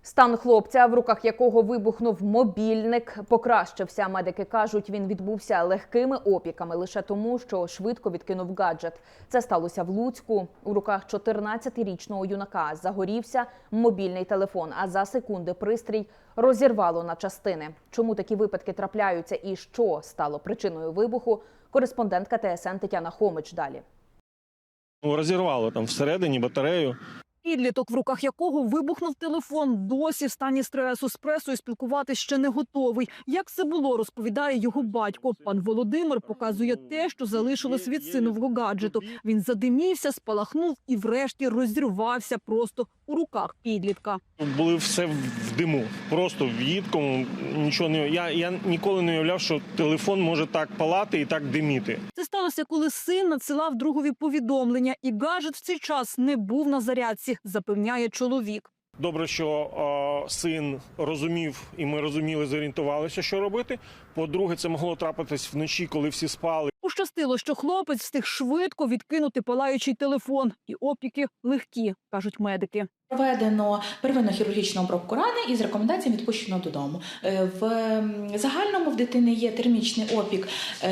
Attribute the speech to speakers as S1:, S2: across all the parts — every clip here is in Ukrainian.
S1: Стан хлопця, в руках якого вибухнув мобільник, покращився. Медики кажуть, він відбувся легкими опіками лише тому, що швидко відкинув гаджет. Це сталося в Луцьку. У руках 14-річного юнака загорівся мобільний телефон, а за секунди пристрій розірвало на частини. Чому такі випадки трапляються і що стало причиною вибуху? Кореспондентка ТСН Тетяна Хомич далі.
S2: Розірвало там всередині батарею.
S3: Підліток, в руках якого вибухнув телефон, досі в стані стресу. З пресою спілкуватись ще не готовий. Як це було, розповідає його батько. Пан Володимир показує те, що залишилось від синового гаджету. Він задимівся, спалахнув і врешті розірвався просто у руках підлітка.
S2: Були все в диму, просто в їдкому. Нічого не я ніколи не уявляв, що телефон може так палати і так диміти.
S3: Це сталося, коли син надсилав другові повідомлення, і гаджет в цей час не був на зарядці, запевняє чоловік.
S2: Добре, що син розумів, і ми розуміли, зорієнтувалися, що робити. По-друге, це могло трапитись вночі, коли всі спали.
S3: Пощастило, що хлопець встиг швидко відкинути палаючий телефон. І опіки легкі, кажуть медики.
S4: Проведено первинну хірургічну обробку рани і з рекомендаціями відпущено додому. В загальному в дитини є термічний опік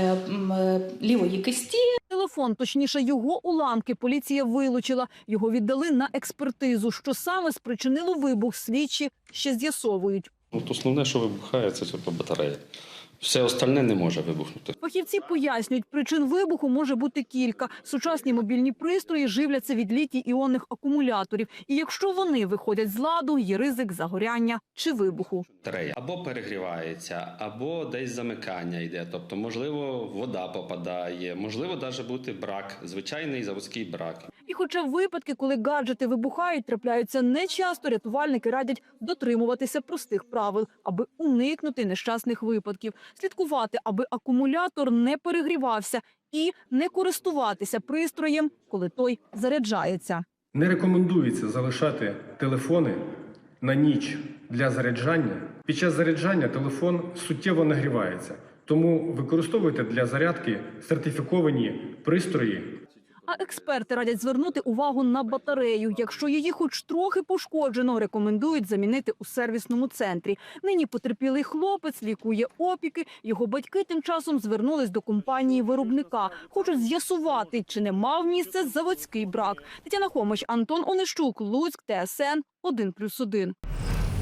S4: лівої кисті.
S3: Телефон, точніше його уламки, поліція вилучила. Його віддали на експертизу. Що саме спричинило вибух, слідчі ще з'ясовують.
S5: Основне, що вибухає, це батарея. Все остальне не може вибухнути.
S3: Фахівці пояснюють, причин вибуху може бути кілька. Сучасні мобільні пристрої живляться від літій-іонних акумуляторів. І якщо вони виходять з ладу, є ризик загоряння чи вибуху.
S5: Батарея або перегрівається, або десь замикання йде. Тобто, можливо, вода попадає, можливо, навіть бути брак, звичайний заводський брак.
S3: І хоча випадки, коли гаджети вибухають, трапляються нечасто, рятувальники радять дотримуватися простих правил, аби уникнути нещасних випадків. Слідкувати, аби акумулятор не перегрівався і не користуватися пристроєм, коли той заряджається.
S6: Не рекомендується залишати телефони на ніч для заряджання. Під час заряджання телефон суттєво нагрівається, тому використовуйте для зарядки сертифіковані пристрої.
S3: А експерти радять звернути увагу на батарею. Якщо її хоч трохи пошкоджено, рекомендують замінити у сервісному центрі. Нині потерпілий хлопець лікує опіки. Його батьки тим часом звернулись до компанії-виробника. Хочуть з'ясувати, чи не мав місце заводський брак. Тетяна Хомич, Антон Онищук, Луцьк, ТСН 1+1.